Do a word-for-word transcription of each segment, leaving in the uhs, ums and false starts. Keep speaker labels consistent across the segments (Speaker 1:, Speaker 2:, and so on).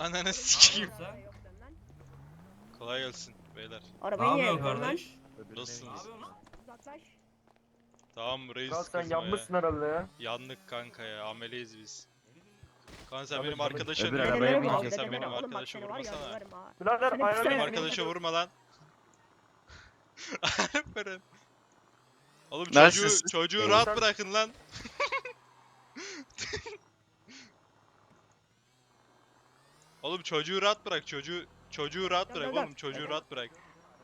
Speaker 1: Ananı sikeyim.
Speaker 2: Sen?
Speaker 1: Kolay gelsin beyler.
Speaker 2: Ne
Speaker 3: Arabayı niye
Speaker 2: yapıyorsun
Speaker 3: yakıyorsun lan?
Speaker 2: kardeş?
Speaker 1: Nasılsınız?
Speaker 2: Ne yapıyorsun lan?
Speaker 3: Uzaklaş.
Speaker 1: Tamam reis
Speaker 4: Kral sen
Speaker 1: kızma ya.
Speaker 4: yanmışsın herhalde ya.
Speaker 1: Yandık kanka ya, ameleyiz biz. Kanka sen
Speaker 4: Tabii,
Speaker 1: benim
Speaker 4: tabii.
Speaker 1: arkadaşa
Speaker 5: Öbür
Speaker 1: niye
Speaker 5: arabaya
Speaker 1: vuruyorsun?
Speaker 5: mı
Speaker 1: Kanka
Speaker 5: bineceksin?
Speaker 1: sen benim
Speaker 3: Oğlum bak
Speaker 1: arkadaşa
Speaker 3: seni var ya,
Speaker 1: vurmasana.
Speaker 3: yalvarırım ha.
Speaker 4: Birader
Speaker 3: Seni
Speaker 4: ayağına
Speaker 1: Benim
Speaker 3: pislerim.
Speaker 4: yemin-
Speaker 1: arkadaşa vurma lan. Aferin. Oğlum
Speaker 5: Neredesiniz
Speaker 1: çocuğu,
Speaker 5: siz?
Speaker 1: çocuğu
Speaker 5: Ee,
Speaker 1: rahat
Speaker 4: sen-
Speaker 1: bırakın lan. Oğlum çocuğu rahat bırak, çocuğu çocuğu rahat
Speaker 3: Gel,
Speaker 1: bırak
Speaker 3: gel,
Speaker 1: oğlum,
Speaker 3: gel.
Speaker 1: çocuğu
Speaker 3: Gel,
Speaker 1: rahat bırak.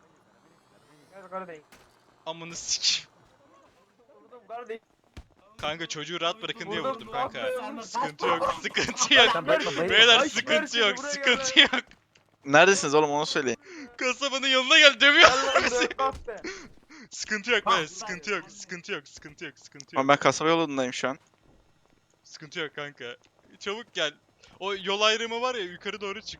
Speaker 4: Gel kardeşim.
Speaker 1: Amını sikeyim.
Speaker 4: Vurdum kardeşim.
Speaker 1: Kanka çocuğu rahat bırakın diye
Speaker 4: Vurdum,
Speaker 1: vurdum
Speaker 4: ne
Speaker 1: kanka.
Speaker 4: yapıyorsun?
Speaker 1: Sıkıntı yok, sıkıntı yok.
Speaker 5: Sen bakma, bayılma.
Speaker 1: Beyler
Speaker 4: Ay,
Speaker 1: sıkıntı
Speaker 4: versene,
Speaker 1: yok,
Speaker 4: buraya
Speaker 1: sıkıntı
Speaker 4: gel
Speaker 1: yok.
Speaker 5: Neredesiniz oğlum onu söyleyin.
Speaker 1: Kasabanın yanına gel, dövüyor.
Speaker 4: Gel lan buraya kalk be.
Speaker 1: Sıkıntı yok be, sıkıntı yok, sıkıntı yok, sıkıntı yok, sıkıntı yok.
Speaker 5: Ama ben kasaba yolundayım şu an.
Speaker 1: Sıkıntı yok kanka. Çabuk gel. O yol ayrımı var ya, yukarı doğru çık.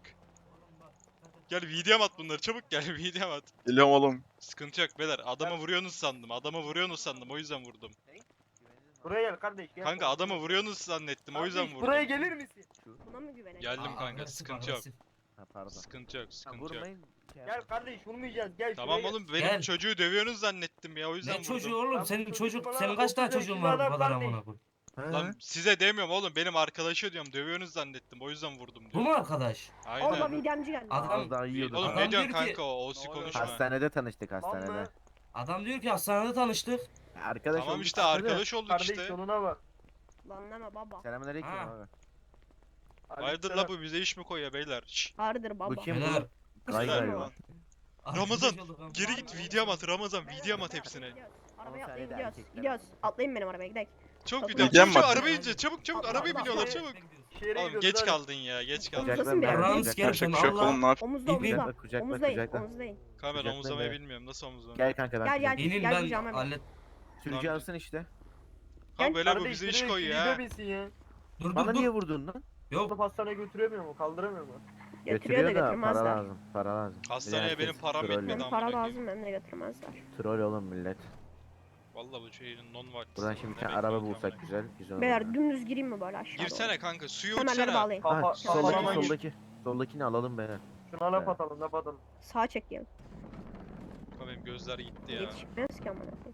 Speaker 1: Gel videom at bunları, çabuk gel videom at.
Speaker 5: Geliyorum oğlum.
Speaker 1: Sıkıntı yok beyler, adama vuruyorsunuz sandım, adama vuruyorsunuz sandım, o yüzden vurdum.
Speaker 4: Buraya gel kardeş gel.
Speaker 1: Kanka adama vuruyorsunuz zannettim, o yüzden
Speaker 4: Kardeş,
Speaker 1: vurdum.
Speaker 4: Buraya gelir misin?
Speaker 3: Buna mı güveneceksin?
Speaker 1: Geldim
Speaker 2: Aa,
Speaker 1: kanka,
Speaker 2: agresif,
Speaker 1: sıkıntı yok.
Speaker 2: agresif.
Speaker 5: Ha pardon.
Speaker 1: Sıkıntı yok, sıkıntı yok.
Speaker 5: Vurmayın.
Speaker 4: Gel kardeş vurmayacağız gel
Speaker 1: Tamam
Speaker 4: şuraya
Speaker 1: oğlum, benim
Speaker 2: Gel.
Speaker 1: çocuğu dövüyorsunuz zannettim ya, o yüzden
Speaker 2: Ne
Speaker 1: vurdum.
Speaker 2: çocuğu oğlum?
Speaker 4: Lan
Speaker 2: Senin
Speaker 4: bu
Speaker 2: çocuk,
Speaker 4: çocuk
Speaker 2: senin
Speaker 4: bana
Speaker 2: kaç tane
Speaker 4: otuz
Speaker 2: çocuğun
Speaker 4: yaşında
Speaker 2: var bu
Speaker 4: adam
Speaker 2: kadar
Speaker 4: kardeş.
Speaker 2: amına koyayım?
Speaker 1: Lan size demiyorum oğlum, benim arkadaşa diyorum, dövüyorsunuz zannettim, o yüzden vurdum
Speaker 2: Bu
Speaker 1: diyor.
Speaker 2: mu arkadaş?
Speaker 3: Oğlum
Speaker 1: Aynen.
Speaker 3: videomcu geldi.
Speaker 2: Adam-
Speaker 5: Az daha yiyorduk.
Speaker 1: Oğlum
Speaker 2: Adam
Speaker 1: ne diyorsun
Speaker 2: diyor ki-
Speaker 1: kanka, o osi konuşma.
Speaker 5: Hastanede tanıştık
Speaker 4: Lan
Speaker 5: hastanede.
Speaker 4: mı?
Speaker 2: Adam diyor ki hastanede tanıştık.
Speaker 5: Arkadaş
Speaker 1: Tamam
Speaker 5: olduk
Speaker 1: işte
Speaker 5: hastanede.
Speaker 1: arkadaş olduk
Speaker 4: Kardeş
Speaker 1: işte.
Speaker 4: yoluna bak.
Speaker 3: Lan deme baba.
Speaker 5: Selamünaleyküm
Speaker 2: Ha.
Speaker 5: abi.
Speaker 1: Hayırdır la bu, bize iş mi koyuyor beyler? Şşş.
Speaker 3: Hardır baba.
Speaker 5: Bu kim
Speaker 2: Beyler.
Speaker 5: bu? Gay
Speaker 1: Beyler,
Speaker 5: galiba.
Speaker 1: Ramazan,
Speaker 2: arkadaş olduk ama.
Speaker 1: Geri git video at Ramazan, video at hepsine.
Speaker 3: Arabaya
Speaker 5: On
Speaker 3: atlayın
Speaker 5: saniyede
Speaker 3: gidiyoruz.
Speaker 5: erkekler.
Speaker 3: Gidiyoruz. Atlayın benim arabaya gidelim.
Speaker 1: Çabuk
Speaker 3: Video
Speaker 1: video at.
Speaker 5: Videom
Speaker 1: Çabuk
Speaker 5: var.
Speaker 1: arabaya ince, çabuk çabuk arabaya biniyorlar çabuk.
Speaker 4: Şehre
Speaker 1: Oğlum
Speaker 4: gidiyoruz
Speaker 1: geç
Speaker 4: hadi.
Speaker 1: kaldın ya, geç kaldın.
Speaker 3: Kucaklar
Speaker 5: Kucaklar
Speaker 3: bir
Speaker 5: ben.
Speaker 3: yer.
Speaker 2: Rams
Speaker 5: Kucaklar
Speaker 2: gelsin,
Speaker 5: çok yok
Speaker 2: Allah.
Speaker 5: oğlum ne yap?
Speaker 3: Omuzla
Speaker 2: İpin-
Speaker 3: omuzla.
Speaker 5: Kucakla, kucakla,
Speaker 3: Omuzlayın.
Speaker 5: kucakla.
Speaker 3: Omuzlayın.
Speaker 1: Kanka ben
Speaker 5: Kucakla
Speaker 1: omuzlamayı
Speaker 5: be.
Speaker 1: bilmiyorum, nasıl omuzlamayı?
Speaker 5: Gel kanka ben
Speaker 3: Gel, gel.
Speaker 5: kucak-
Speaker 2: İnin
Speaker 3: Gel
Speaker 2: ben
Speaker 3: kucağıma bin.
Speaker 2: hallet.
Speaker 5: Sürücü
Speaker 3: Tamam.
Speaker 5: alsın işte.
Speaker 1: Kanka böyle bu
Speaker 4: Kardeş,
Speaker 1: bize iş
Speaker 4: şuraya
Speaker 1: koyuyor
Speaker 4: kilide
Speaker 1: ha.
Speaker 4: binsin ya.
Speaker 2: Dur
Speaker 5: Bana
Speaker 2: dur
Speaker 5: niye
Speaker 2: dur.
Speaker 5: vurdun lan?
Speaker 2: Yok.
Speaker 4: Alıp hastaneye götüremiyor mu? Kaldıramıyor mu?
Speaker 3: Götürüyor da
Speaker 5: para
Speaker 3: götürmezler.
Speaker 5: lazım. Para lazım. Bir de
Speaker 1: Hastaneye
Speaker 5: herkes
Speaker 1: benim param
Speaker 5: troll.
Speaker 1: yetmedi
Speaker 3: Benim
Speaker 1: amına
Speaker 3: para
Speaker 1: koyayım.
Speaker 3: lazım benim de götürmezler.
Speaker 5: Troll oğlum millet.
Speaker 1: Vallahi bu şeyin non vakti.
Speaker 5: Buradan şimdi bir tane araba bulsak güzel. Güzel olur.
Speaker 3: Beyler dümdüz gireyim mi böyle aşağı
Speaker 1: Girsene
Speaker 3: doğru?
Speaker 1: kanka, suyu
Speaker 3: Kemerleri
Speaker 1: uçsana.
Speaker 3: bağlayın.
Speaker 4: Kafa,
Speaker 5: Ha, soldaki
Speaker 4: kafama gir.
Speaker 5: soldaki. Soldakini alalım beyler.
Speaker 4: Şuna laf atalım laf atalım.
Speaker 3: Sağa çekeyim.
Speaker 1: Kanka benim gözler gitti ya.
Speaker 3: Yetişmez ki amına koyayım.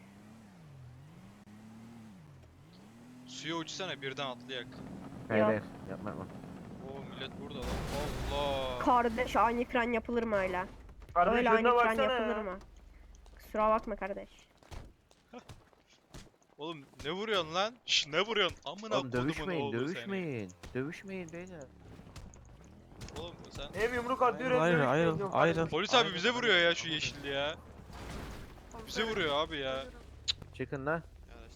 Speaker 1: Suya uçsana, birden atlayak.
Speaker 5: Hayır
Speaker 3: Yok.
Speaker 5: hayır yapma yapma.
Speaker 1: Oo millet burada lan. Allah.
Speaker 3: Kardeş ani fren yapılır mı öyle?
Speaker 4: Kardeş
Speaker 3: Öyle
Speaker 4: önüne
Speaker 3: ani fren
Speaker 4: baksana
Speaker 3: yapılır
Speaker 4: ya.
Speaker 3: mı? Kusura bakma kardeş.
Speaker 1: Oğlum ne vuruyorsun lan? Şş, ne vuruyorsun? Amına
Speaker 5: Oğlum
Speaker 1: kodumun
Speaker 5: dövüşmeyin
Speaker 1: oğlu seni.
Speaker 5: dövüşmeyin. Dövüşmeyin beyler.
Speaker 1: Oğlum sen.
Speaker 4: Hem yumruk atıyor hem
Speaker 6: Hayır,
Speaker 4: dövüşüyor
Speaker 6: ayrıl,
Speaker 4: diyor.
Speaker 6: ayrıl.
Speaker 1: Polis abi bize vuruyor ya şu yeşilli ya. Bize vuruyor abi ya.
Speaker 5: Çıkın lan.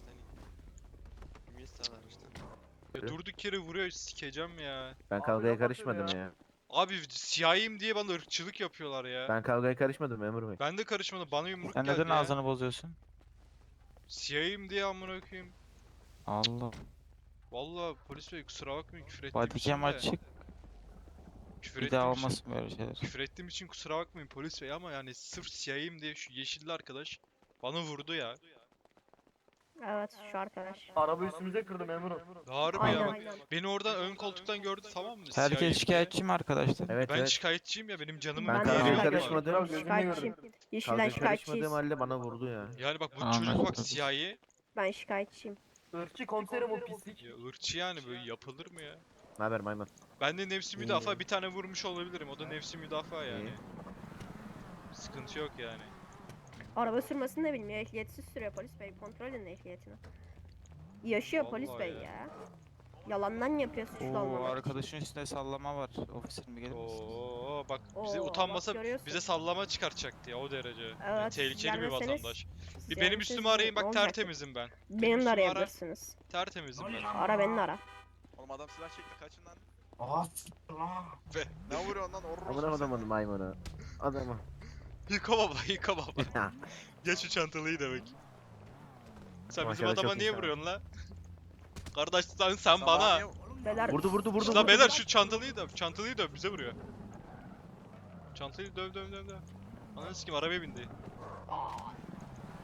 Speaker 1: Ya durduk yere vuruyor, sikeceğim ya.
Speaker 5: Ben
Speaker 4: Abi
Speaker 5: kavgaya
Speaker 4: laf atıyor
Speaker 5: karışmadım
Speaker 4: ya.
Speaker 5: ya.
Speaker 1: Abi siyahiyim diye bana ırkçılık yapıyorlar ya. Ben,
Speaker 5: Ben kavgaya karışmadım memur bey.
Speaker 1: de karışmadım, bana yumruk
Speaker 6: Sen
Speaker 1: geldi
Speaker 6: neden
Speaker 1: ya.
Speaker 6: ağzını bozuyorsun?
Speaker 1: Siyahiyim diye amına koyayım.
Speaker 6: Allah.
Speaker 1: Vallahi polis bey kusura bakmayın, küfür ettiğim için
Speaker 6: Bodycam
Speaker 1: de.
Speaker 6: açık.
Speaker 1: Küfür
Speaker 6: Bir daha
Speaker 1: ettiğim için-
Speaker 6: olmasın böyle şeyler.
Speaker 1: Küfür ettiğim için kusura bakmayın polis bey, ama yani sırf siyahiyim diye şu yeşilli arkadaş bana vurdu ya.
Speaker 3: Evet şu arkadaş.
Speaker 4: Araba üstümüze kırdı memurum.
Speaker 1: Harbi ya
Speaker 3: Aynen.
Speaker 1: bak. Beni oradan ön koltuktan gördü, tamam mı? Siyahiyim
Speaker 6: Herkes
Speaker 1: diye.
Speaker 6: şikayetçi mi arkadaşlar?
Speaker 5: Evet
Speaker 1: Ben
Speaker 5: evet.
Speaker 1: şikayetçiyim ya, benim canımın
Speaker 5: Ben
Speaker 3: Ben
Speaker 1: bir
Speaker 3: de
Speaker 5: kavgaya
Speaker 1: değeri var.
Speaker 3: şikayetçiyim.
Speaker 5: karışmadım.
Speaker 4: Kral gözünü
Speaker 3: Şikayetçiyim.
Speaker 4: gördüm.
Speaker 3: Yeşilden
Speaker 5: Kavgaya
Speaker 3: şikayetçiyiz.
Speaker 5: karışmadığım halde bana vurdu ya.
Speaker 1: Yani bak bu
Speaker 6: Anladım.
Speaker 1: çocuk bak siyahi.
Speaker 3: Ben şikayetçiyim.
Speaker 4: Irkçı komiserim o pislik.
Speaker 1: Ya ırkçı yani, böyle yapılır mı ya?
Speaker 5: Ne haber maymun?
Speaker 1: Ben de nefsi
Speaker 5: İyi.
Speaker 1: müdafaa bir tane vurmuş olabilirim. O da nefsi müdafaa yani.
Speaker 5: İyi.
Speaker 1: Sıkıntı yok yani.
Speaker 3: Araba sürmesini de bilmiyor. Ehliyetsiz sürüyor polis bey. Kontrol edin ehliyetini. Yaşıyor polis
Speaker 1: Vallahi
Speaker 3: bey
Speaker 1: ya.
Speaker 3: ya. Yalandan yapıyor suçlu
Speaker 6: Oo,
Speaker 3: olmamak için.
Speaker 6: arkadaşın üstünde sallama var. Ofiserim bir gelir misin?
Speaker 1: Oo bak bize
Speaker 3: Oo,
Speaker 1: utanmasa
Speaker 3: bak görüyorsun.
Speaker 1: bize sallama çıkartacaktı ya, o derece. Yani
Speaker 3: Evet,
Speaker 1: tehlikeli bir
Speaker 3: gelmeseniz
Speaker 1: vatandaş.
Speaker 3: siz
Speaker 1: Bir benim
Speaker 3: gelmeseniz
Speaker 1: üstümü
Speaker 3: ne
Speaker 1: arayın, bak
Speaker 3: olacaktı?
Speaker 1: tertemizim ben.
Speaker 3: Beni de
Speaker 1: üstümü ara.
Speaker 3: arayabilirsiniz.
Speaker 1: Tertemizim ben.
Speaker 3: Ara beni de ara.
Speaker 7: Oğlum adam silah çekti, kaçın lan.
Speaker 2: Aa s**t lan.
Speaker 7: Ne vuruyorsun lan? Orros
Speaker 5: Amına adamın maymunu. Adamı.
Speaker 1: Yıka baba, yıka baba. Geç şu çantalıyı demek. Sen bizim
Speaker 5: Maşallah
Speaker 1: adama
Speaker 5: çok
Speaker 1: niye
Speaker 5: insan.
Speaker 1: vuruyorsun la? Kardeş sen, sen bana.
Speaker 3: Beyler
Speaker 5: Vurdu vurdu vurdu.
Speaker 1: La
Speaker 5: vurdu.
Speaker 1: beyler şu çantalıyı döv, çantalıyı döv, bize vuruyor. Çantayı döv döv döv döv. Ananı sikim, arabaya bindi.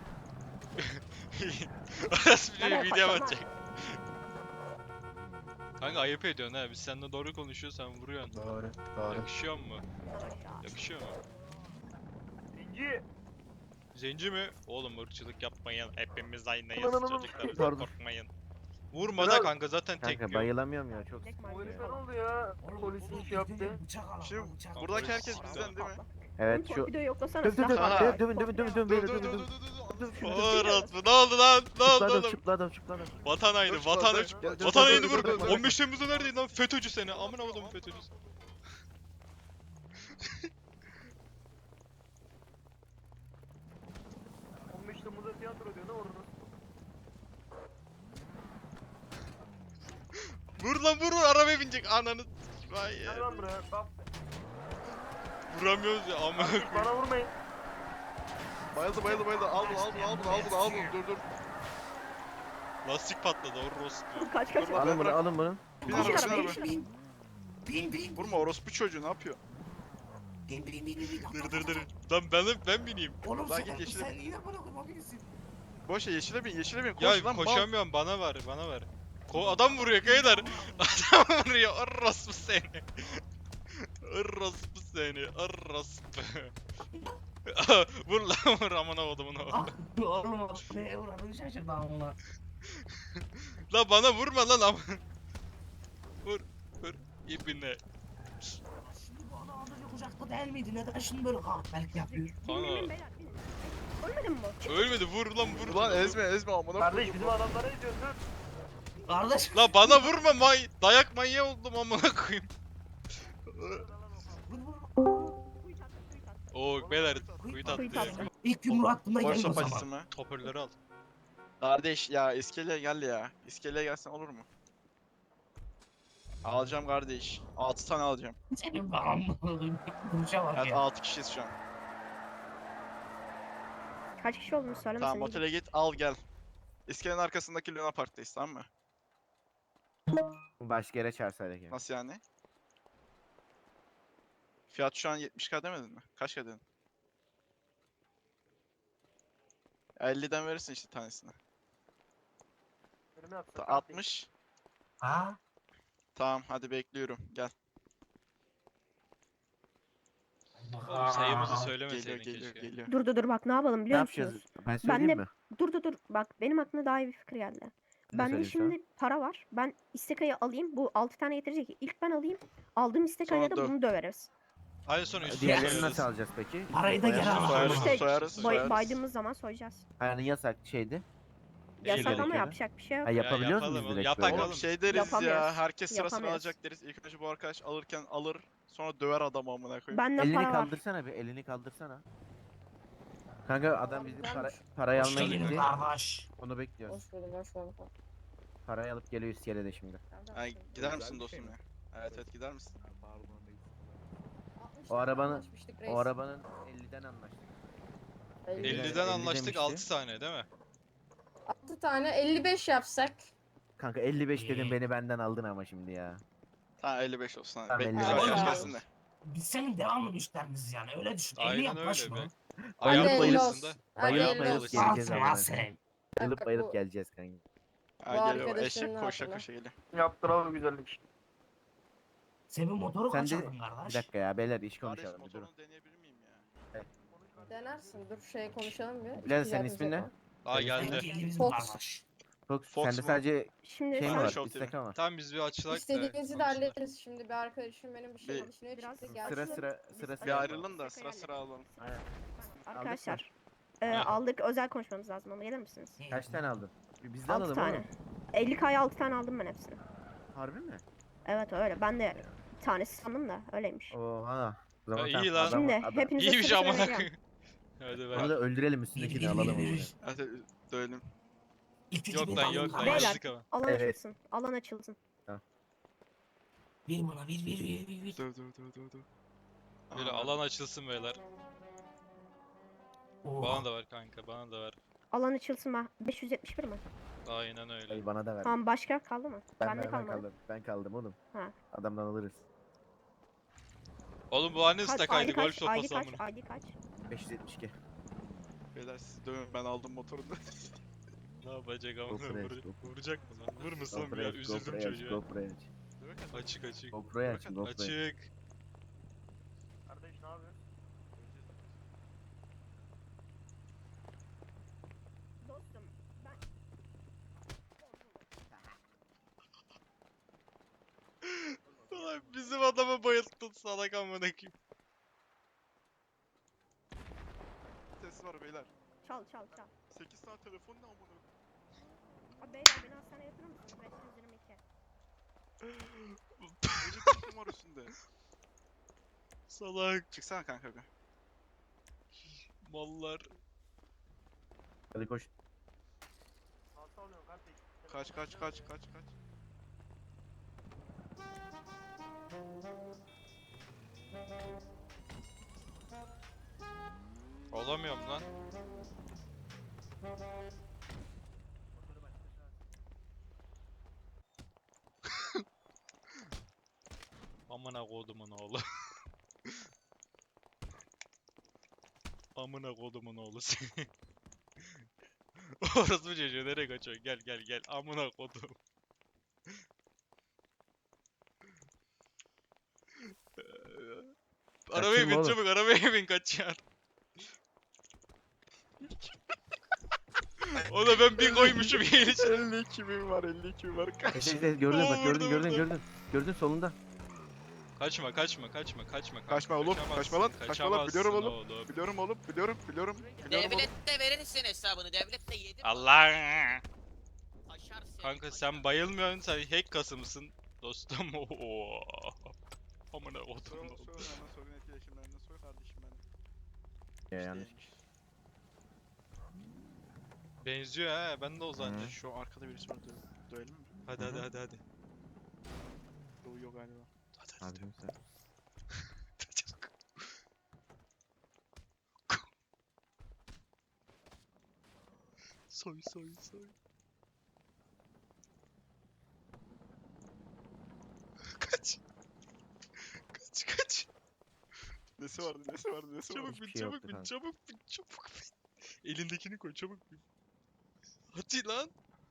Speaker 1: Orası bir
Speaker 3: Bana
Speaker 1: video
Speaker 3: kaçamaz.
Speaker 1: atacak. Kanka ayıp ediyorsun ha. Biz seninle doğru konuşuyoruz, sen vuruyorsun.
Speaker 5: Doğru. Doğru.
Speaker 1: Yakışıyor mu?
Speaker 3: Aşağı.
Speaker 1: Yakışıyor mu?
Speaker 4: Zenci.
Speaker 1: Zenci mi? Oğlum ırkçılık yapmayın. Hepimiz aynıyız
Speaker 5: Aman, aman,
Speaker 1: çocuklar.
Speaker 5: pardon.
Speaker 1: Korkmayın. Vurma da
Speaker 4: Biraz-
Speaker 1: kanka, zaten tek
Speaker 5: Kanka
Speaker 1: yok.
Speaker 5: bayılamıyorum ya çok.
Speaker 3: Tek
Speaker 4: Bu
Speaker 3: maymun
Speaker 4: herif ne
Speaker 3: falan.
Speaker 4: oldu ya?
Speaker 2: Oğlum,
Speaker 4: Polisin
Speaker 2: oğlum,
Speaker 4: şey yaptı.
Speaker 2: bizden Bıçak al.
Speaker 7: Şimdi
Speaker 2: al, bıçak al.
Speaker 7: buradaki
Speaker 1: Polis-
Speaker 7: herkes bizden değil mi?
Speaker 5: Evet
Speaker 3: Oğlum,
Speaker 5: şu.
Speaker 3: torpidoyu yoklasana.
Speaker 5: Döv döv döv.
Speaker 3: silah var.
Speaker 5: Döv dövün dövün dövün dövün
Speaker 7: Dur
Speaker 5: beyler
Speaker 7: dur dur
Speaker 5: dövün
Speaker 7: dur
Speaker 5: dövün.
Speaker 7: dur dur.
Speaker 5: Döv şunu, döv.
Speaker 1: Orospu, ne oldu lan? Ne oldu
Speaker 5: Çıktı adam
Speaker 1: oğlum?
Speaker 5: çıktı adam çıktı adam.
Speaker 1: Vatan haini,
Speaker 7: Dur,
Speaker 1: vatan
Speaker 7: dur,
Speaker 1: haini.
Speaker 7: dur, dur, dur,
Speaker 1: Vatan
Speaker 7: dur,
Speaker 1: haini
Speaker 7: dur,
Speaker 1: vur.
Speaker 7: dur, dur.
Speaker 1: on beş Temmuz'da neredeydin lan? FETÖ'cü seni. Amına kodumun FETÖ'cüsü.
Speaker 4: on beş Temmuz'da tiyatro diyor ne orada?
Speaker 1: Vur lan vur, vur, arabaya binecek ananı. Vay
Speaker 4: Gel
Speaker 1: ya.
Speaker 4: lan buraya. Bak.
Speaker 1: Vuramıyoruz ya amına
Speaker 4: Artık
Speaker 1: koyayım.
Speaker 4: bana vurmayın.
Speaker 7: Bayıldı bayıldı bayıldı. Al bunu al bunu al bunu al bunu al bunu. Dur dur.
Speaker 1: Lastik patladı orospu.
Speaker 3: Kaç kaç.
Speaker 7: Dur lan.
Speaker 5: Alın bunu
Speaker 7: bırak.
Speaker 5: alın bunu.
Speaker 7: Bin
Speaker 3: Bin
Speaker 7: araba bin
Speaker 3: araba,
Speaker 7: araba.
Speaker 2: Bin. Bin bin.
Speaker 7: Vurma orospu çocuğu ne yapıyor?
Speaker 2: Bin bin bin bin. bin.
Speaker 1: Dır dır dır. Lan ben ben bineyim.
Speaker 2: Oğlum
Speaker 7: Lan
Speaker 2: sen,
Speaker 7: git yeşile
Speaker 2: sen
Speaker 7: bin.
Speaker 2: yine bana kurma birisi.
Speaker 7: Boş ver yeşile bin yeşile bin. Koş
Speaker 1: Ya
Speaker 7: lan mal.
Speaker 1: koşamıyorum, bana ver, bana ver. Ko adam vuruyor kayılar. Adam vuruyor. Orospu seni. Orospu seni. Orospu. Vur lan vur, amına kodumun oğlu.
Speaker 2: Ah, Oğlum neye uğradığını şaşırdı amına.
Speaker 1: Lan bana vurma lan am. Vur vur ipine.
Speaker 2: Şimdi bu adam az önce kucakta değil miydi? Neden şimdi böyle kahpelik yapıyor?
Speaker 3: Binin binin
Speaker 1: Kanka.
Speaker 3: beyler binin. Ölmedin mi bu?
Speaker 1: Ölmedi, vur lan vur.
Speaker 7: Ulan ezme ezme amına
Speaker 4: Kardeş
Speaker 7: koyayım.
Speaker 4: bizim adamlara ediyorsun dur.
Speaker 2: Kardeş.
Speaker 1: La bana vurma, may dayak manyağı oldum amına koyayım.
Speaker 2: Vur vur.
Speaker 3: Kuyut attı kuyut attı.
Speaker 1: Oo beyler kuyut
Speaker 3: Kuyut
Speaker 1: attı.
Speaker 3: attı.
Speaker 2: İlk yumruğu attığımda
Speaker 7: Boş
Speaker 2: geldi o
Speaker 7: sopacısı
Speaker 2: zaman.
Speaker 7: mı?
Speaker 1: Hoparlörü al.
Speaker 7: Kardeş ya iskeleye gel ya. İskeleye gelsen olur mu? Alacağım kardeş. altı tane alacağım.
Speaker 2: Senin bağımlı duruşa bak
Speaker 7: Evet
Speaker 2: ya.
Speaker 7: altı kişiyiz şu an.
Speaker 3: Kaç kişi olduğunu söylemesin.
Speaker 7: Tamam
Speaker 3: iyiydi.
Speaker 7: otele git al gel. İskelenin arkasındaki Luna Park'tayız tamam mı?
Speaker 5: Başka yere çağırsaydık ya.
Speaker 7: Nasıl yani? Fiyat şu an yetmiş k demedin mi? Kaç k dedin? elliden verirsin işte tanesini.
Speaker 4: Önüme
Speaker 7: Ta-
Speaker 4: yapsın.
Speaker 7: altmış.
Speaker 2: Ha?
Speaker 7: Tamam hadi bekliyorum. Gel.
Speaker 1: Oğlum sayımızı
Speaker 7: Geliyor
Speaker 1: söylemeseydin
Speaker 7: geliyor
Speaker 1: keşke.
Speaker 7: geliyor.
Speaker 3: Dur dur dur bak ne yapalım
Speaker 5: Ne
Speaker 3: biliyor
Speaker 5: yapacağız?
Speaker 3: musunuz?
Speaker 5: Ben söyleyeyim
Speaker 3: de-
Speaker 5: mi?
Speaker 3: Dur dur dur bak benim aklıma daha iyi bir fikir geldi.
Speaker 5: Ne
Speaker 3: Bende
Speaker 5: söyleyeyim sana?
Speaker 3: şimdi para var. Ben istekayı alayım. Bu altı tane getirecek. İlk ben alayım. Aldığım istekayla
Speaker 7: Sonra
Speaker 3: da
Speaker 7: döv.
Speaker 3: bunu döveriz.
Speaker 1: Hadi sonra üstüne
Speaker 5: Diğerlerini
Speaker 1: koyarız.
Speaker 5: nasıl alacağız peki?
Speaker 2: Parayı da geri
Speaker 7: Soyarız,
Speaker 2: al.
Speaker 7: soyarız,
Speaker 3: İşte
Speaker 7: soyarız,
Speaker 3: Bay-
Speaker 7: soyarız.
Speaker 3: baydığımız zaman soyacağız.
Speaker 5: Hani yasak şeydi.
Speaker 3: Yasak ama
Speaker 5: gerekiyor.
Speaker 3: yapacak bir şey yok.
Speaker 5: Ha yapabiliyoruz
Speaker 1: yapalım
Speaker 5: muyuz
Speaker 1: oğlum,
Speaker 5: direkt
Speaker 1: yapak
Speaker 5: böyle?
Speaker 1: oğlum.
Speaker 7: Oğlum şey deriz ya,
Speaker 3: Yapamıyoruz.
Speaker 7: herkes sırasını
Speaker 3: Yapamıyoruz.
Speaker 7: alacak deriz. İlk önce bu arkadaş alırken alır, sonra döver adamı amına koyayım.
Speaker 3: Bende
Speaker 5: Elini
Speaker 3: para var.
Speaker 5: kaldırsana bir elini kaldırsana. Kanka adam bizim para,
Speaker 8: Güzelmiş.
Speaker 5: parayı
Speaker 2: Hoş
Speaker 5: almaya
Speaker 2: geldin
Speaker 5: gitti.
Speaker 2: kardeş.
Speaker 5: Onu bekliyoruz.
Speaker 8: Hoş buldum, hoş buldum.
Speaker 5: Parayı alıp geliyor iskelede şimdi.
Speaker 7: Ay, gider misin dostum ya? Evet evet gider misin?
Speaker 5: O arabanın-
Speaker 8: Anlaşmıştık reis.
Speaker 5: O arabanın elliden anlaştık.
Speaker 8: elli.
Speaker 5: elli-
Speaker 1: elliden
Speaker 5: elli
Speaker 1: anlaştık,
Speaker 5: demişti.
Speaker 1: altı tane değil mi?
Speaker 8: altı tane elli beş yapsak.
Speaker 5: Kanka elli beş
Speaker 2: İyi.
Speaker 5: dedim beni benden aldın ama şimdi ya.
Speaker 7: Tamam elli beş olsun hadi.
Speaker 5: Tamam,
Speaker 7: Bekliyoruz
Speaker 5: elli beş
Speaker 7: arkadaş
Speaker 8: olsun.
Speaker 7: gelsin de.
Speaker 2: Biz senin devamlı müşterimiziz yani öyle düşün. Elli
Speaker 1: Aynen
Speaker 2: yaklaşma.
Speaker 1: öyle be.
Speaker 8: Hadi
Speaker 1: Ayağım
Speaker 5: bayılıp-
Speaker 8: elli
Speaker 1: bayılsın da.
Speaker 8: olsun. Hadi
Speaker 5: Bayılıp
Speaker 8: elli
Speaker 5: bayılıp
Speaker 8: olsun.
Speaker 5: geleceğiz
Speaker 2: Alsın
Speaker 5: ama.
Speaker 2: lan sen.
Speaker 5: Bayılıp
Speaker 8: Bak,
Speaker 5: bayılıp
Speaker 8: bu-
Speaker 5: geleceğiz kanka.
Speaker 7: Ha
Speaker 8: Bu
Speaker 7: geliyor
Speaker 8: arkadaşının
Speaker 7: eşek koşa
Speaker 8: hatırına.
Speaker 7: koşa geliyor.
Speaker 4: Yaptıralım güzellik.
Speaker 2: Senin motoru
Speaker 5: Sen de-
Speaker 2: kaçırdın
Speaker 5: Bir
Speaker 2: kardeş.
Speaker 5: dakika ya beyler iş
Speaker 7: Kardeş
Speaker 5: konuşalım bir durun.
Speaker 7: motorunu deneyebilir miyim ya?
Speaker 8: Denersin. Dur şey konuşalım bir.
Speaker 5: Bilal,
Speaker 8: İki
Speaker 5: senin
Speaker 8: güzel
Speaker 5: ismin
Speaker 8: bir
Speaker 5: ne?
Speaker 8: şey
Speaker 1: Aa
Speaker 2: Sen
Speaker 1: geldi.
Speaker 2: geldi bizim
Speaker 8: Fox.
Speaker 2: kardeş.
Speaker 5: Fox,
Speaker 7: Fox
Speaker 5: sende
Speaker 7: mu?
Speaker 5: sadece
Speaker 3: Şimdi
Speaker 5: şey mi
Speaker 3: sen
Speaker 5: var?
Speaker 7: Show
Speaker 5: İstek var.
Speaker 1: Tamam biz bir açılak da.
Speaker 8: İstediğinizi de
Speaker 1: konuşsunlar.
Speaker 8: hallederiz. Şimdi bir arkadaşım benim bir şey
Speaker 7: Bir-
Speaker 8: düşünüyor
Speaker 3: Biraz
Speaker 8: çıktı
Speaker 3: sıra
Speaker 8: geldi.
Speaker 5: Sıra sıra
Speaker 3: Biz
Speaker 5: sıra
Speaker 3: Bir
Speaker 7: Bir
Speaker 5: sıra.
Speaker 7: ayrılın da sıra sıra alalım.
Speaker 5: Aynen.
Speaker 3: arkadaşlar e,
Speaker 1: Ha.
Speaker 3: aldık, özel konuşmamız lazım ama gelir misiniz?
Speaker 5: Kaç tane aldın? Biz de
Speaker 3: altı
Speaker 5: alalım
Speaker 3: tane.
Speaker 5: oğlum.
Speaker 3: elli kaya altı tane aldım ben hepsini.
Speaker 5: Harbi mi?
Speaker 3: Evet öyle. Ben de bir tanesi sandım da öyleymiş.
Speaker 5: Oha. O zaman
Speaker 1: Ha,
Speaker 5: tamam,
Speaker 1: iyi lan.
Speaker 5: adam-
Speaker 3: Şimdi
Speaker 5: adam-
Speaker 3: hepinize
Speaker 1: İyiymiş
Speaker 3: sıra sıra
Speaker 1: amına
Speaker 3: vereceğim.
Speaker 1: koyayım. Hadi
Speaker 5: Onu
Speaker 1: ver.
Speaker 5: da öldürelim üstündekini
Speaker 2: Bir, bir,
Speaker 5: alalım
Speaker 2: bir,
Speaker 5: onu.
Speaker 2: bir.
Speaker 7: Hadi dövelim.
Speaker 2: İlk üçü
Speaker 1: Yok
Speaker 2: bir
Speaker 1: lan
Speaker 2: alalım
Speaker 1: yok lan
Speaker 2: kardeş.
Speaker 3: Beyler.
Speaker 1: yazdık ama.
Speaker 3: Alan
Speaker 5: Evet.
Speaker 3: açılsın. Alan açılsın.
Speaker 2: Bir bana bir bir bir bir bir.
Speaker 7: Döv döv döv döv döv.
Speaker 1: Böyle
Speaker 7: Aa,
Speaker 1: alan açılsın beyler.
Speaker 2: Oo.
Speaker 1: Bana da ver kanka, bana da ver.
Speaker 3: Alan açılsın ben. beş yüz yetmiş bir mi?
Speaker 1: Aynen öyle.
Speaker 5: Ay bana da ver.
Speaker 3: Tamam başka kaldı mı?
Speaker 5: Ben,
Speaker 3: Bende
Speaker 5: ben, ben
Speaker 3: kalmadı.
Speaker 5: kaldım. Ben kaldım oğlum.
Speaker 3: Ha.
Speaker 5: Adamdan alırız.
Speaker 1: Oğlum bu anne
Speaker 3: Kaç,
Speaker 1: stakaydı,
Speaker 3: I D
Speaker 1: golf
Speaker 3: kaç, I D
Speaker 1: sopası
Speaker 3: kaç,
Speaker 1: amına.
Speaker 3: I D kaç?
Speaker 5: beş yüz yetmiş iki.
Speaker 7: Beyler siz dövün ben aldım motorunu.
Speaker 1: Ne yapacak ama
Speaker 5: GoPro aç,
Speaker 1: vur,
Speaker 5: GoPro.
Speaker 1: vuracak mı lan? Vurmasam
Speaker 5: GoPro
Speaker 1: ya
Speaker 5: aç,
Speaker 1: üzüldüm
Speaker 5: GoPro aç,
Speaker 1: çocuğa.
Speaker 5: GoPro aç.
Speaker 1: Açık açık.
Speaker 5: GoPro aç, GoPro aç.
Speaker 1: Açık.
Speaker 4: Kardeş ne yapıyorsun?
Speaker 3: Dostum ben...
Speaker 1: Ulan bizim adamı bayılttın salak amına koyayım.
Speaker 7: Ses var beyler.
Speaker 3: Çal çal çal.
Speaker 7: sekiz tane telefon ne amına?
Speaker 3: Abi beyler beni hastaneye yatırır mısınız? beş yüz yirmi iki.
Speaker 7: Gece telefon var üstünde.
Speaker 1: Salak
Speaker 7: Çıksana kanka bir.
Speaker 1: mallar.
Speaker 5: Hadi koş.
Speaker 4: Nasıl alıyorsun kardeş?
Speaker 7: Kaç kaç kaç kaç kaç.
Speaker 1: Olamıyorum lan. Amına kodumun oğlu. Amına kodumun oğlu seni. Orası mı çocuğu nereye kaçıyor? Gel gel gel. Amına kodum. Arabaya
Speaker 5: Kaçayım
Speaker 1: bin
Speaker 5: oğlum.
Speaker 1: çabuk arabaya bin kaçıyor. Ona ben bir koymuşum yeni için.
Speaker 7: elli iki bin var elli iki bin var kaç.
Speaker 5: Ses, ses, ses, gördün
Speaker 1: Oo,
Speaker 5: bak, gördün,
Speaker 1: vurdu,
Speaker 5: gördün,
Speaker 1: vurdu.
Speaker 5: gördün. Gördün solunda.
Speaker 1: Kaçma kaçma kaçma kaçma. kanka,
Speaker 7: Kaçma oğlum,
Speaker 1: kaçamazsın,
Speaker 7: kaçma lan, kaçma lan, biliyorum
Speaker 1: kaçamazsın
Speaker 7: oğlum. Biliyorum oğlum biliyorum biliyorum. Biliyorum oğlum.
Speaker 9: Devlet de verirsin hesabını. Devlet de yedi.
Speaker 1: Allah.
Speaker 9: Aşar seni,
Speaker 1: Kanka
Speaker 9: aşar.
Speaker 1: sen bayılmıyorsun sen hack kasımsın dostum. Oo. Amına
Speaker 7: Soy
Speaker 1: kodum.
Speaker 7: soy hemen sorun etkileşimlerinden soy kardeşim ben.
Speaker 5: Ya yanlış.
Speaker 1: Benziyor ha ben de o zaten.
Speaker 5: Hı.
Speaker 7: Şu arkada birisi var dö- dövelim mi?
Speaker 1: Hadi hadi hadi hadi.
Speaker 7: Doğuyor galiba.
Speaker 1: Hadi hadi.
Speaker 5: Abicim sen.
Speaker 1: Soy soy soy. Kaç. Kaç kaç.
Speaker 7: Nesi vardı nesi vardı nesi vardı.
Speaker 1: Çabuk bin
Speaker 5: Hiçbir şey
Speaker 1: çabuk
Speaker 5: yoktu
Speaker 1: bin
Speaker 5: kanka.
Speaker 1: çabuk bin çabuk bin. Elindekini koy çabuk bin. Hadi lan.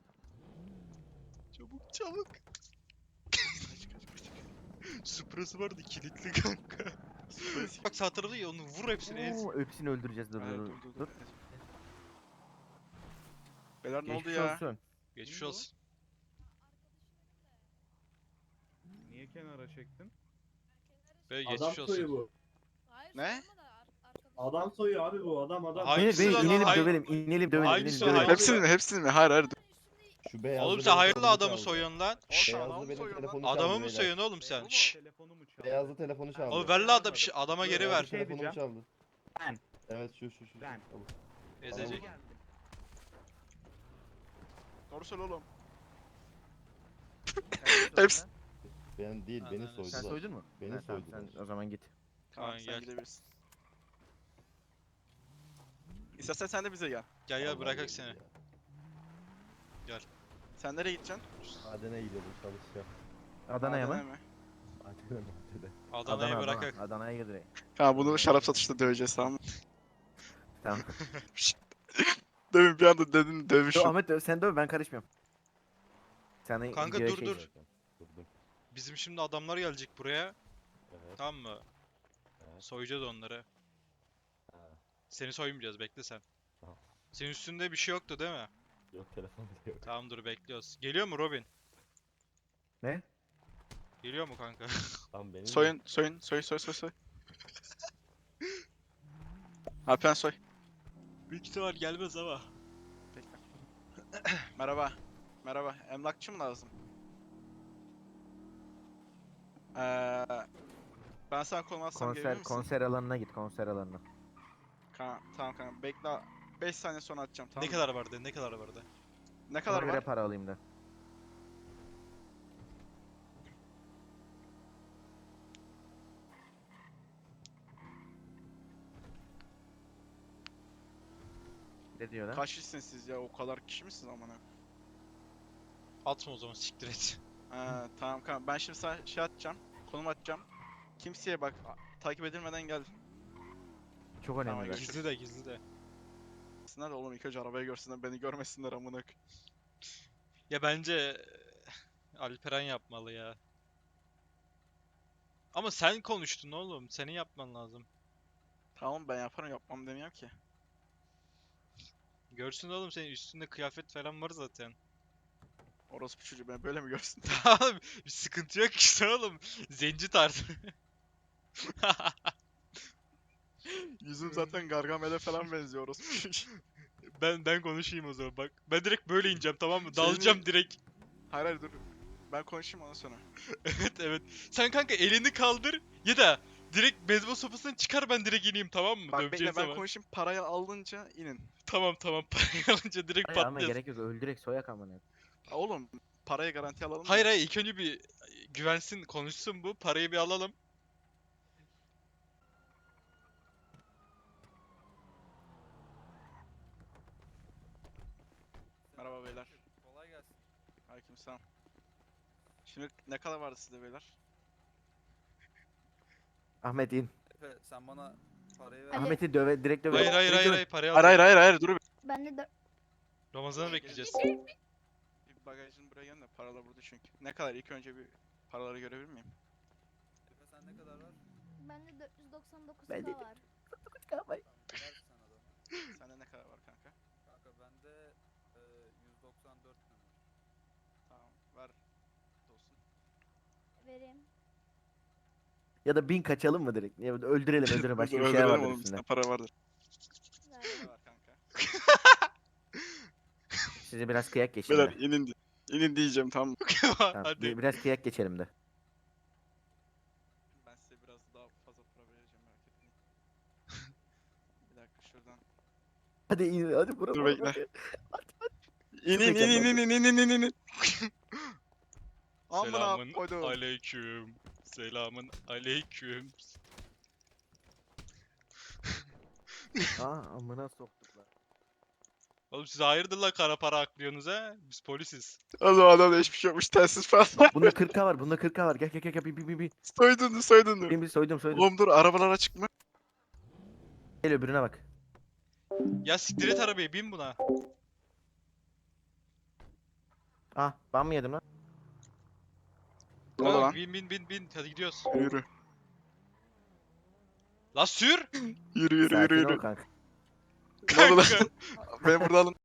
Speaker 1: Çabuk çabuk.
Speaker 7: Kaç kaç kaç.
Speaker 1: Suprası vardı kilitli kanka. Bak sağ tarafta ya onu vur hepsini ez.
Speaker 5: Oo, hepsini öldüreceğiz, dur,
Speaker 7: Evet,
Speaker 5: dur,
Speaker 7: dur, dur,
Speaker 5: dur.
Speaker 7: dur. Beyler ne oldu
Speaker 5: Geçmiş
Speaker 7: ya?
Speaker 5: olsun.
Speaker 1: Geçmiş
Speaker 7: Ne oldu?
Speaker 1: olsun.
Speaker 10: Niye kenara çektin?
Speaker 1: Bey
Speaker 2: Adam
Speaker 1: geçmiş
Speaker 2: soyu
Speaker 1: olsun.
Speaker 2: bu.
Speaker 7: Ne?
Speaker 2: Adam soyu abi bu adam adam.
Speaker 1: Hayır.
Speaker 5: Beyler,
Speaker 1: Hangisi
Speaker 5: beyler,
Speaker 1: lan o?
Speaker 5: inelim,
Speaker 1: Hay-
Speaker 5: dövelim, inelim, dövelim,
Speaker 1: Hangisi
Speaker 5: inelim,
Speaker 1: o?
Speaker 5: dövelim.
Speaker 1: Hangisi?
Speaker 7: Hepsini mi hepsini mi? Hayır hayır.
Speaker 11: Şu beyazlı
Speaker 1: Oğlum
Speaker 11: benim
Speaker 1: sen hayırlı
Speaker 11: telefonumu
Speaker 1: adamı
Speaker 11: çaldı.
Speaker 1: soyuyorsun lan.
Speaker 7: Şşş
Speaker 11: Beyazlı
Speaker 7: adamı
Speaker 11: benim
Speaker 7: soyuyor lan.
Speaker 11: telefonumu çaldı
Speaker 1: Adamı mı
Speaker 11: beyler.
Speaker 1: soyuyorsun oğlum sen?
Speaker 10: Oğlum,
Speaker 1: Şşş.
Speaker 10: telefonumu çaldı.
Speaker 11: Beyazlı telefonu çaldı.
Speaker 1: Oğlum ver la adam şş, adama geri
Speaker 11: Beyazlı
Speaker 1: ver.
Speaker 10: Şey
Speaker 11: telefonumu
Speaker 10: diyeceğim.
Speaker 11: çaldı.
Speaker 10: Ben.
Speaker 11: Evet şu şu şu.
Speaker 10: Ben.
Speaker 11: Al.
Speaker 1: Ezecek.
Speaker 7: Doğru söyle oğlum.
Speaker 5: Hepsi.
Speaker 11: Ben değil beni
Speaker 1: Ananı-
Speaker 11: soydular.
Speaker 5: Sen soydun mu?
Speaker 11: Beni
Speaker 5: Ha, tamam,
Speaker 11: soydular.
Speaker 5: sen o zaman git.
Speaker 7: Tamam
Speaker 1: Kaan,
Speaker 7: sen
Speaker 1: gel.
Speaker 7: gidebilirsin. İstersen sen de bize gel.
Speaker 1: Gel gel
Speaker 11: Vallahi
Speaker 1: bırakak
Speaker 11: öyle
Speaker 1: seni.
Speaker 11: ya.
Speaker 7: Sen nereye gideceksin?
Speaker 11: Adana'ya gidiyordum çalışacağım.
Speaker 5: Adana'ya
Speaker 7: Adana'ya
Speaker 5: mı?
Speaker 7: mı?
Speaker 11: Adana Adana.
Speaker 1: Adana'yı
Speaker 5: Adana,
Speaker 1: bırakak.
Speaker 5: Adana. Adana'ya gir direkt.
Speaker 7: Ha bunu şarap satışta döveceğiz tamam mı?
Speaker 5: Tamam.
Speaker 7: Demin bir anda dedin
Speaker 5: Dur,
Speaker 7: dövüşüm.
Speaker 5: Ahmet döv, sen döv, ben karışmıyorum. Sen
Speaker 1: Kanka,
Speaker 5: videoya
Speaker 1: dur,
Speaker 5: şey-
Speaker 1: dur.
Speaker 11: Durdum.
Speaker 1: Bizim şimdi adamlar gelecek buraya.
Speaker 11: Evet.
Speaker 1: Tamam mı?
Speaker 11: Evet.
Speaker 1: Soyacağız onları.
Speaker 11: Ha.
Speaker 1: Seni soymayacağız bekle sen.
Speaker 11: Tamam.
Speaker 1: Senin üstünde bir şey yoktu değil mi?
Speaker 11: Yok telefon bile yok.
Speaker 1: Tamam dur bekliyoruz. Geliyor mu Robin?
Speaker 5: Ne?
Speaker 1: Geliyor mu kanka?
Speaker 11: Tamam benim de-
Speaker 7: Soyun soyun soy soy soy soy. Alpen soy.
Speaker 1: Büyük ihtimal gelmez ama.
Speaker 7: Bekle. Merhaba. Merhaba. Emlakçı mı lazım? Ee, ben sana konum atsam gelir
Speaker 5: Konser,
Speaker 7: misin?
Speaker 5: konser alanına git, konser alanına.
Speaker 7: Ka- tamam kanka bekle. beş saniye sonra atacağım tamam
Speaker 1: Ne
Speaker 7: mı?
Speaker 1: kadar vardı? Ne kadar vardı?
Speaker 7: Ne kadar
Speaker 5: Ona göre
Speaker 7: var?
Speaker 5: para alayım da. Ne diyor lan?
Speaker 7: Kaç kişisiniz siz ya? O kadar kişi misiniz amına?
Speaker 1: Atma o zaman siktir et.
Speaker 7: Ha, tamam kanka ben şimdi sana şey atacağım. Konum atacağım. Kimseye bak a- takip edilmeden gel.
Speaker 5: Çok önemli.
Speaker 7: Tamam,
Speaker 5: bak.
Speaker 7: görüşürüz.
Speaker 1: Gizli de gizli de.
Speaker 7: gelsinler de oğlum ilk önce arabayı görsünler beni görmesinler amına koyayım.
Speaker 1: Ya bence Alperen yapmalı ya. Ama sen konuştun oğlum. Senin yapman lazım.
Speaker 7: Tamam ben yaparım yapmam demiyorum ki.
Speaker 1: Görsün oğlum, senin üstünde kıyafet falan var zaten.
Speaker 7: Orospu çocuğu ben böyle mi görsün?
Speaker 1: Tamam, bir sıkıntı yok işte oğlum. Zenci tarzı.
Speaker 7: Yüzüm zaten Gargamel'e falan benziyor orospu çocuğu.
Speaker 1: Ben ben konuşayım o zaman bak. Ben direkt böyle ineceğim, tamam mı?
Speaker 7: Senin-
Speaker 1: Dalacağım direkt.
Speaker 7: Hayır hayır dur. Ben konuşayım ondan sonra.
Speaker 1: Evet evet. Sen kanka elini kaldır ya da direkt beyzbol sopasını çıkar, ben direkt ineyim, tamam mı?
Speaker 7: Bak
Speaker 1: Döveceğin
Speaker 7: bekle ben
Speaker 1: zaman.
Speaker 7: konuşayım parayı alınca inin.
Speaker 1: Tamam tamam, parayı alınca direkt
Speaker 5: Hayır ama
Speaker 1: patlıyoruz.
Speaker 5: gerek yok öldürek soyak amına.
Speaker 7: Ha, Oğlum parayı garanti alalım. da.
Speaker 1: Hayır hayır, ilk önce bir güvensin, konuşsun bu. Parayı bir alalım.
Speaker 7: Merhaba beyler.
Speaker 4: Kolay gelsin.
Speaker 7: Aleykümselam. Şimdi ne kadar vardı sizde beyler?
Speaker 5: Ahmet in.
Speaker 4: Efe sen bana parayı ver.
Speaker 3: Ali-
Speaker 5: Ahmet'i döve direkt döve.
Speaker 1: Hayır hayır
Speaker 5: Direkt
Speaker 1: hayır
Speaker 5: döve.
Speaker 1: hayır, parayı
Speaker 7: Hayır
Speaker 1: alalım.
Speaker 7: hayır hayır hayır dur. bir-
Speaker 3: Ben de dört...
Speaker 1: Ramazan'ı bekleyeceğiz.
Speaker 7: Bir bagajını buraya gelin de paralar burada çünkü. Ne kadar ilk önce bir paraları görebilir miyim?
Speaker 4: Efe sen ne kadar var?
Speaker 3: Bende dört yüz doksan dokuz
Speaker 5: Ben
Speaker 3: K
Speaker 5: dedim.
Speaker 3: var.
Speaker 4: Ver sen adamı.
Speaker 7: Sende ne kadar var kanka?
Speaker 4: Kanka bende e, yüz doksan dört tane var.
Speaker 7: Tamam ver. Olsun.
Speaker 3: Vereyim.
Speaker 5: Ya da bin kaçalım mı direkt? Ya da öldürelim öldürelim başka bir şey
Speaker 7: Öldürelim
Speaker 5: vardır
Speaker 7: oğlum,
Speaker 5: üstünde.
Speaker 7: bizde para vardır.
Speaker 3: Verdim.
Speaker 7: Ne var kanka?
Speaker 5: Size biraz kıyak geçelim
Speaker 7: Beyler
Speaker 5: de.
Speaker 7: inin di- inin diyeceğim tamam mı?
Speaker 5: Tamam,
Speaker 1: Hadi.
Speaker 5: bir- biraz kıyak geçelim de.
Speaker 7: Ben size biraz daha fazla para vereceğim merak etmeyin. Bir dakika şuradan.
Speaker 5: Hadi in hadi bura.
Speaker 7: Dur
Speaker 5: bura,
Speaker 7: bekle.
Speaker 5: bura.
Speaker 7: İn in in in in in in in in in. Amına
Speaker 1: Selamın
Speaker 7: koydum.
Speaker 1: aleyküm. Selamın aleyküm.
Speaker 5: Aa amına soktuk lan.
Speaker 1: Oğlum siz hayırdır la kara para aklıyorsunuz ha? Biz polisiz.
Speaker 7: O zaman adamda hiçbir şey yokmuş telsiz falan.
Speaker 5: Bunda kırk K var bunda kırk K var. Gel gel gel gel bir bir bir bir.
Speaker 7: Soydun soydun.
Speaker 5: Bir bir soydum soydum.
Speaker 7: Oğlum dur arabalar açık mı?
Speaker 5: Gel öbürüne bak.
Speaker 1: Ya siktir et arabayı, bin buna.
Speaker 5: Ah ben mi yedim lan?
Speaker 7: Ne oldu
Speaker 1: Ha,
Speaker 7: lan?
Speaker 1: bin bin bin bin, hadi gidiyoruz.
Speaker 7: Yürü.
Speaker 1: La sür!
Speaker 7: Yürü yürü yürü
Speaker 5: Sakin ol
Speaker 7: yürü.
Speaker 5: kanka.
Speaker 7: Ne oldu lan?
Speaker 1: Kanka.
Speaker 7: Beni burada alın.